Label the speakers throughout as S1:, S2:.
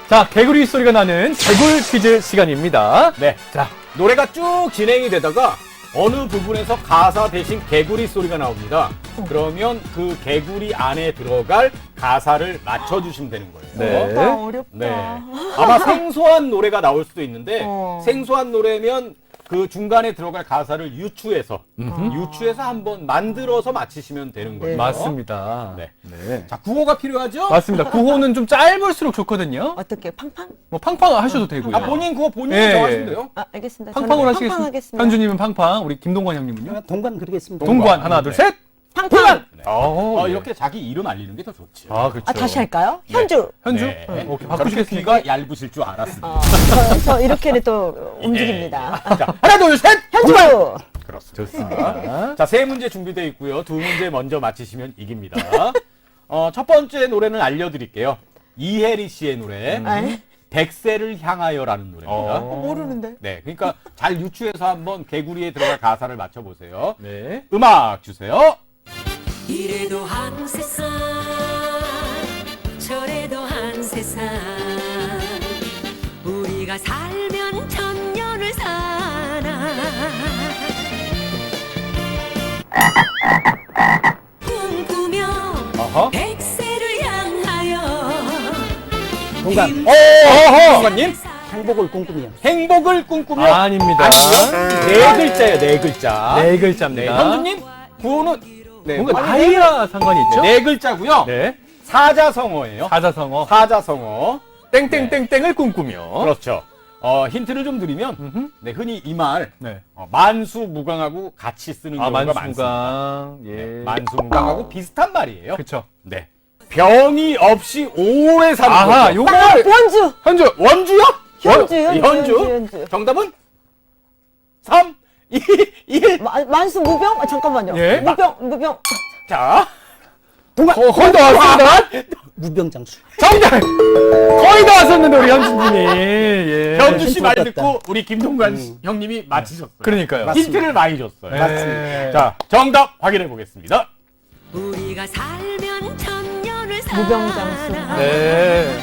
S1: 자, 개구리 소리가 나는 개굴 퀴즈 시간입니다.
S2: 네. 자, 노래가 쭉 진행이 되다가 어느 부분에서 가사 대신 개구리 소리가 나옵니다. 그러면 그 개구리 안에 들어갈 가사를 맞춰주시면 되는 거예요.
S1: 네.
S3: 어렵다.
S2: 네. 아마 생소한 노래가 나올 수도 있는데 생소한 노래면 그 중간에 들어갈 가사를 유추해서 한번 만들어서 맞히시면 되는 거예요.
S1: 맞습니다.
S2: 네.
S1: 네.
S2: 자, 구호가 필요하죠?
S1: 맞습니다. 구호는 좀 짧을수록 좋거든요.
S3: 어떻게 팡팡?
S1: 뭐 팡팡 하셔도 되고요.
S2: 아, 본인 구호 본인이
S1: 예,
S2: 정하시면
S1: 예.
S2: 돼요.
S3: 아, 알겠습니다.
S1: 팡팡으로
S3: 저는
S1: 하시겠습니다.
S3: 팡팡 하겠습니다.
S1: 현주님은 팡팡, 우리 김동관 형님은요?
S4: 동관 그리겠습니다.
S1: 동관 하나, 둘, 셋.
S3: 팡팡.
S1: 네.
S2: 이렇게 자기 이름 알리는 게 더 좋죠.
S1: 아, 그렇죠.
S3: 아, 다시 할까요? 현주.
S1: 현주?
S2: 네.
S1: 오케이,
S2: 그렇게
S1: 바꾸시겠습니까?
S2: 귀가 얇으실 줄 알았습니다.
S3: 저 이렇게는 또 움직입니다.
S2: 자, 하나, 둘, 셋!
S3: 현주.
S2: 그렇습니다. 좋습니다. 자, 세 문제 준비되어 있고요. 두 문제 먼저 맞히시면 이깁니다. 첫 번째 노래는 알려드릴게요. 이혜리 씨의 노래.
S3: 네.
S2: 백세를 향하여라는 노래입니다.
S3: 모르는데.
S2: 네, 그러니까 잘 유추해서 한번 개구리에 들어갈 가사를 맞춰보세요.
S1: 네.
S2: 음악 주세요.
S5: 이래도 한 세상 저래도 한 세상 우리가 살면 천년을 사나 꿈꾸며
S2: 어허.
S5: 백세를 향하여
S4: 동관
S2: 동관님.
S4: 행복을 꿈꾸며
S2: 행복을 꿈꾸며.
S1: 아닙니다.
S2: 아니요. 네 글자예요, 네 글자.
S1: 네
S2: 네,
S1: 글자입니다.
S2: 현주님. 구호는 네,
S1: 뭔가 나이와 상관이 있죠?
S2: 네 글자고요.
S1: 네.
S2: 사자성어예요.
S1: 사자성어.
S2: 사자성어.
S1: 땡땡땡땡을 꿈꾸며.
S2: 그렇죠. 힌트를 좀 드리면,
S1: 음흠.
S2: 네, 흔히 이 말,
S1: 네.
S2: 만수무강하고 같이 쓰는
S1: 아,
S2: 경우가 많습니다.
S1: 만수무강. 예.
S2: 네, 만수무강하고 비슷한 말이에요.
S1: 그쵸.
S2: 네. 병이 없이 오래 사는
S1: 아하,
S2: 거죠.
S1: 요걸.
S3: 원주.
S1: 현주.
S2: 원주요?
S3: 현주.
S2: 정답은 3, 2, 1.
S3: 만수 무병? 아, 잠깐만요.
S1: 예?
S3: 무병.
S2: 자,
S4: 동관
S1: 거의 다 왔습니다.
S4: 무병장수.
S1: 정답! 거의 다 왔었는데, 우리 현주님이. 예.
S2: 현주 씨 말
S4: 좋았다.
S2: 듣고 우리 김동관 형님이 맞히셨어요.
S1: 그러니까요.
S2: 힌트를 많이 줬어요.
S1: 네.
S2: 자, 정답 확인해 보겠습니다.
S5: 우리가 살면 천년을 사나
S3: 무병장수.
S1: 네.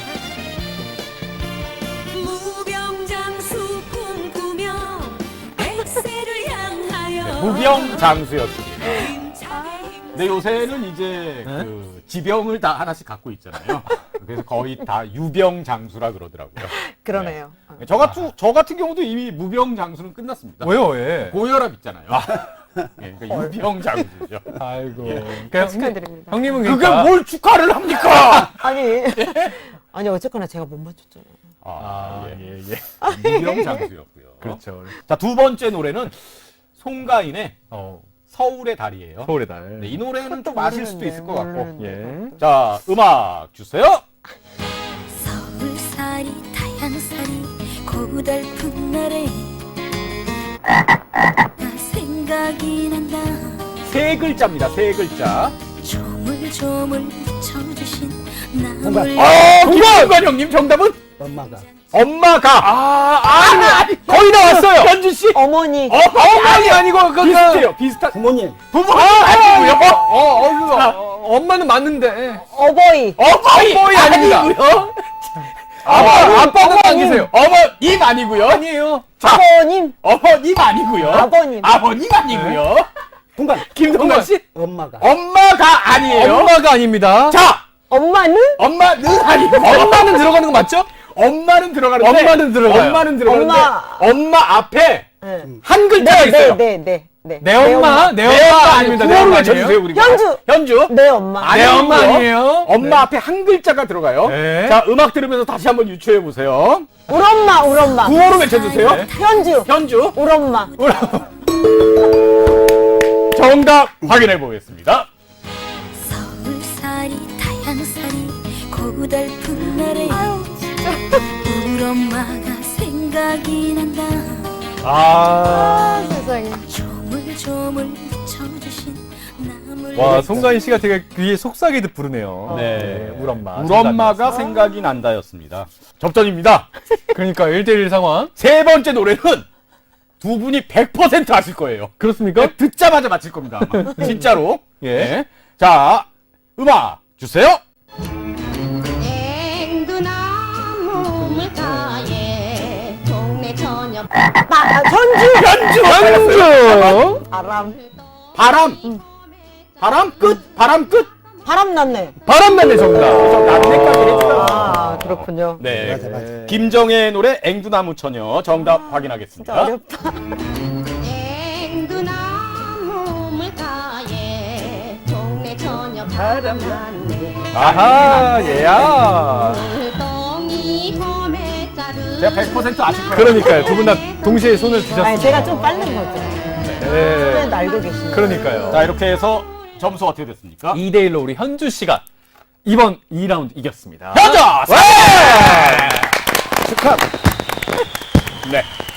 S5: 무병장수 꿈꾸며 백세를 향하여
S2: 무병장수였습니다.
S5: 힘차게
S2: 근데 요새는 이제 그 지병을 다 하나씩 갖고 있잖아요. 그래서 거의 다 유병장수라 그러더라고요.
S3: 그러네요.
S2: 저 같은 경우도 이미 무병장수는 끝났습니다.
S1: 왜요, 왜?
S2: 고혈압 있잖아요. 예, 그러니까 유병장수죠.
S1: 아이고.
S2: 예.
S1: 그러니까
S3: 축하드립니다.
S1: 형님은
S2: 그게
S1: 그러니까.
S2: 뭘 축하를 합니까?
S3: 아니 어쨌거나 제가 못 맞췄잖아요.
S1: 아,
S2: 예.
S1: 예, 예.
S2: 무병장수였고요.
S1: 그렇죠.
S2: 자, 두 번째 노래는 송가인의
S1: 어,
S2: 서울의 달이에요.
S1: 서울의 달.
S2: 네, 이 노래는 좀 아실 수도 있을 것 같고.
S1: 예.
S2: 자, 음악 주세요.
S5: 서울살이 타양살이 고달픈 날에 나 생각이 난다
S2: 세 글자입니다. 세 글자.
S5: 조물조물 묻혀주신
S4: 동관.
S5: 나물
S2: 김동관 형님 정답은
S4: 엄마가
S2: 엄마가.
S1: 거의 다 왔어요!
S2: 현주 씨.
S3: 어머니.
S1: 어머니 아니고,
S2: 비슷해요. 비슷한.
S4: 부모님
S2: 부모 아니고요.
S1: 엄마는 맞는데.
S3: 어버이.
S2: 어머니
S1: 아닙니다.
S2: 아니고요.
S1: 아빠는 아니세요.
S2: 어머님 아니고요.
S1: 아니에요.
S3: 아버님.
S2: 어머님 아니고요.
S3: 아버님.
S2: 아버님 아니고요.
S4: 동관
S2: 김동관 씨.
S4: 엄마가
S2: 엄마가 아니에요.
S1: 엄마가 아닙니다.
S2: 자,
S3: 엄마는?
S2: 엄마는 아니고.
S1: 엄마는 들어가는 거 맞죠?
S2: 엄마는 들어가는데.
S1: 엄마는 들어가요.
S2: 엄마는 들어가는데.
S3: 엄마.
S2: 엄마 앞에
S3: 네.
S2: 한 글자가 있어요.
S3: 네.
S1: 내 엄마? 내 엄마 아닙니다. 내
S2: 구호를
S1: 엄마
S2: 외쳐주세요,
S1: 아니에요?
S2: 우리.
S3: 현주.
S2: 현주.
S3: 내 엄마.
S1: 내 엄마
S2: 아니고요.
S1: 아니에요?
S2: 엄마 앞에 한 글자가 들어가요.
S1: 네.
S2: 자, 음악 들으면서 다시 한번 유추해 보세요.
S3: 우리 엄마.
S2: 구호로 외쳐주세요.
S1: 네.
S3: 현주.
S2: 현주.
S3: 우리 엄마.
S2: 정답 확인해 보겠습니다.
S5: 서울살이 타양살이 고달픈 날에 우리 엄마가 생각이 난다
S1: 아.
S3: 세상에.
S5: 조물조물 묻혀주신 나물
S1: 와, 송가인 씨가 되게 귀에 속삭이듯 부르네요.
S2: 네.
S1: 우리 엄마.
S2: 우리 엄마가 생각이 난다였습니다. 접전입니다.
S1: 그러니까 1대1 상황.
S2: 세 번째 노래는 두 분이 100% 아실 거예요.
S1: 그렇습니까?
S2: 듣자마자 맞힐 겁니다. 아마. 진짜로.
S1: 예.
S2: 네. 자, 음악 주세요.
S6: 앵두나무
S3: 전주.
S1: 현주.
S3: 바람.
S2: 바람 끝. 바람 끝.
S3: 바람 났네.
S1: 바람났네 정답.
S2: 남네까지 했어요.
S3: 아, 그렇군요.
S2: 네.
S4: 맞아, 맞아.
S2: 김정혜의 노래 앵두나무 처녀 정답 확인하겠습니다.
S3: 어렵다.
S5: 앵두나무 물가에 동네 처녀 바람났네
S1: 아하 얘야.
S5: 물동이 홈에 자루
S2: 제가 100% 아실 거예요.
S1: 그러니까요. 두 분 다 동시에 손을
S3: 아니,
S1: 드셨습니다.
S3: 제가 좀 빠른 거죠.
S1: 네.
S3: 네, 알고 계시네.
S1: 그러니까요.
S2: 자, 이렇게 해서 점수 어떻게 됐습니까?
S1: 2대1로 우리 현주 씨가 이번 2라운드 이겼습니다.
S2: 현자!
S1: 네!
S2: 축하! 네.